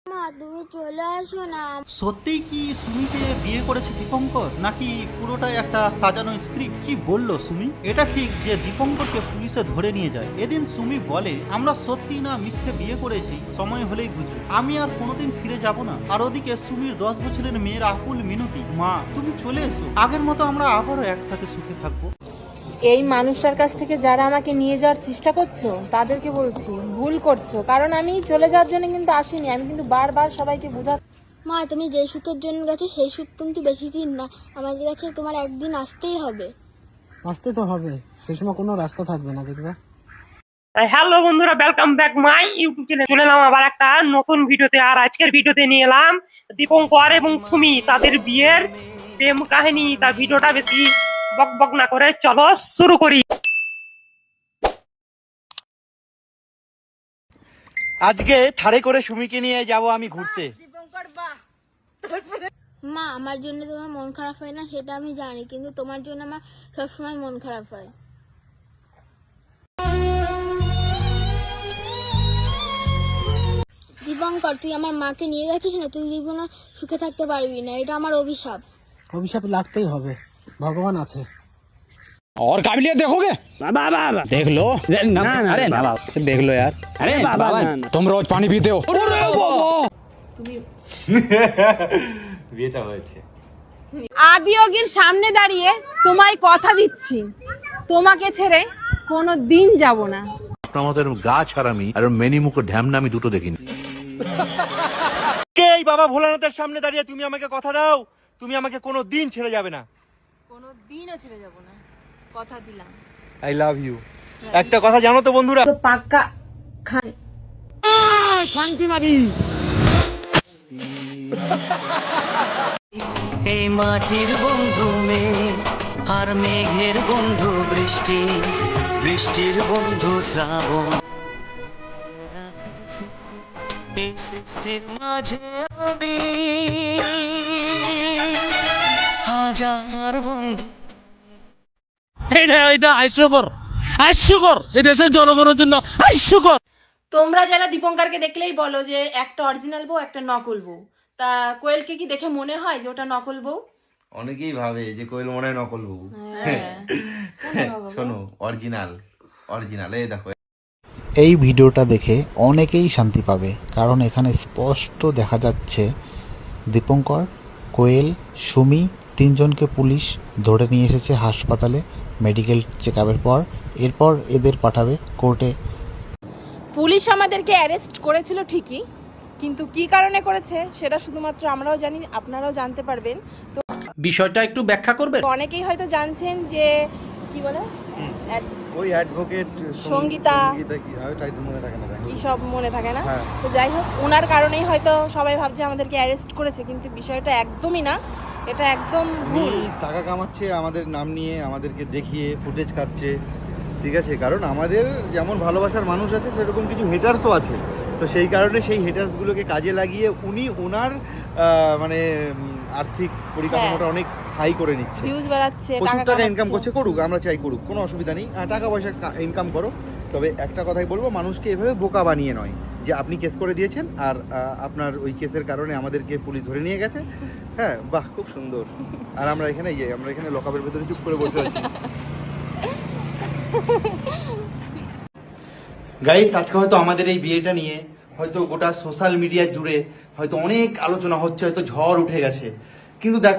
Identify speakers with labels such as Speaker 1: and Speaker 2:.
Speaker 1: মা তুমি চলে আসো না।
Speaker 2: সত্যিই কি সুমিকে বিয়ে করেছে দীপঙ্কর, নাকি পুরোটাই একটা সাজানো স্ক্রিপ্ট? কি বললো সুমি? এটা ঠিক যে দীপঙ্করকে পুলিশে ধরে নিয়ে যায়। এদিন সুমি বলে, আমরা সত্যি না মিথ্যে বিয়ে করেছি, সময় হলেই বুঝবে, আমি আর কোনোদিন ফিরে যাব না। আর ওদিকে সুমির 10 বছরের মেয়ের আকুল মিনতি, মা তুমি চলে এসো, আগের মতো আমরা আবারও একসাথে সুখে থাকবো।
Speaker 3: এই মানুষটার কাছ থেকে যারা আমাকে নিয়ে যাওয়ার চেষ্টা করছো তাদেরকে বলছি ভুল করছো, কারণ আমি চলে যাওয়ার জন্য কিন্তু আসিনি। আমি কিন্তু বারবার সবাইকে বোঝা।
Speaker 1: মা তুমি যে সুখের জন্য গেছো সেই সুখ কিন্তু বেশি দিন না, আমাদের কাছে তোমার একদিন আসতেই হবে।
Speaker 4: আসতে তো হবে, সেই সময় কোনো রাস্তা থাকবে না, দেখবে।
Speaker 5: হ্যালো বন্ধুরা, welcome back my YouTube channel. চলে এলাম আবার একটা নতুন ভিডিওতে। আর আজকের ভিডিওতে নিয়ে এলাম দীপঙ্কর এবং সুমি তাদের বিয়ের প্রেম কাহিনী। তা ভিডিওটা বেশি বক বক না করে চলো শুরু করি।
Speaker 2: আজকে থাড়ে করে সুমিকে নিয়ে যাব আমি ঘুরতে।
Speaker 1: মা আমার জন্য তোমার মন খারাপ হয় না সেটা আমি জানি, কিন্তু তোমার জন্য আমার সবসময় মন খারাপ হয়। দীপঙ্কর তুই আমার মাকে নিয়ে গেছিস না, তুই জীবনে সুখে থাকতে পারবি না, এটা আমার অভিশাপ।
Speaker 4: অভিশাপ লাগতেই হবে, ভগবান আছে।
Speaker 6: और काबिलियत देखोगे? देख लो। अरे ना बाबा, देख लो यार। अरे बाबा, तुम रोज पानी पीते हो।
Speaker 2: বিয়েটা হয়েছে।
Speaker 3: আদিয়োগীর সামনে দাঁড়িয়ে তোমায় কথা দিচ্ছি, তোমাকে ছেড়ে কোনো দিন যাব না।
Speaker 7: আপনার মতো এরকম গা ছাড়ামি আর মেনি মুখ ঢ্যামনা আমি দুটো দেখিনি।
Speaker 2: কে এই বাবা ভোলানাথের সামনে দাঁড়িয়ে তুমি আমাকে কথা দাও, তুমি আমাকে কোনো দিন ছেড়ে যাবে না।
Speaker 3: কোনো দিনও ছেড়ে যাব না, কথা দিলাম।
Speaker 2: I love you. একটা কথা জানো তো বন্ধুরা,
Speaker 3: তো পাক্কা খান।
Speaker 8: এই মাটির বন্ধু মেঘ আর মেঘের বন্ধু বৃষ্টি, বৃষ্টির বন্ধু শ্রাবণ। এই সৃষ্টির মাঝে আমি হাজার বন্ধু। এটা হাস্যকর, হাস্যকর, এই দেশের জনগণের জন্য হাস্যকর।
Speaker 3: তোমরা যারা দীপঙ্করকে দেখলেই বলো যে একটা অরিজিনাল বউ একটা নকল বউ, তা কোয়েলকে কি দেখে মনে হয় যে ওটা নকল বউ?
Speaker 2: অনেকেই ভাবে যে কোয়েল মনে হয় নকল বউ। শোনো, অরিজিনাল অরিজিনাল। এই দেখো,
Speaker 9: এই ভিডিওটা দেখে অনেকেই শান্তি পাবে, কারণ এখানে স্পষ্ট দেখা যাচ্ছে দীপঙ্কর, কোয়েল, সুমি তিনজনকে পুলিশ ধরে নিয়ে এসেছে হাসপাতালে মেডিকেল চেকআপের পর। এরপর এদের পাঠাবে কোর্টে।
Speaker 3: পুলিশ আমাদেরকে অ্যারেস্ট করেছিল ঠিকই, কিন্তু কি কারণে করেছে সেটা শুধুমাত্র আমরাও জানি, আপনারাও জানতে পারবেন। তো
Speaker 6: বিষয়টা একটু ব্যাখ্যা করবেন?
Speaker 3: অনেকেই হয়তো জানছেন যে কি বলে
Speaker 2: ওই অ্যাডভোকেট
Speaker 3: সঙ্গীতা কি সব মনে থাকে না। তো যাই হোক, ওনার কারণেই হয়তো সবাই ভাবছে আমাদেরকে অ্যারেস্ট করেছে, কিন্তু বিষয়টা একদমই না, এটা একদম ভুল।
Speaker 10: টাকা কামাচ্ছে আমাদের নাম নিয়ে, আমাদেরকে দেখিয়ে ফুটেজ কাটছে, ঠিক আছে? কারণ আমাদের যেমন ভালোবাসার মানুষ আছে সেরকম কিছু হেটার্সও আছে। তো সেই কারণে সেই হেটার্সগুলোকে কাজে লাগিয়ে উনি ওনার মানে আর্থিক পরিকাঠামোটা অনেক হাই করে নিচ্ছে,
Speaker 3: ভিউজ বাড়াচ্ছে,
Speaker 10: প্রচুর টাকা ইনকাম করছে। করুক, আমরা চাই করুক, কোনো অসুবিধা নেই, টাকা পয়সা ইনকাম করো। তবে একটা কথাই বলবো, মানুষকে এভাবে বোকা বানিয়ে নয় যে আপনি কেস করে দিয়েছেন আর আপনার ওই কেসের কারণে আমাদেরকে পুলিশ ধরে নিয়ে গেছে। হ্যাঁ, বাহ, খুব সুন্দর। আর আমরা এখানে লকআপের ভেতরে চুপ করে বসে আছি।
Speaker 2: গাইস, আজকে হয়তো আমাদের এই বিয়েটা নিয়ে হয়তো গোটা সোশ্যাল মিডিয়া জুড়ে হয়তো অনেক আলোচনা হচ্ছে, হয়তো ঝড় উঠে গেছে, কিন্তু দেখো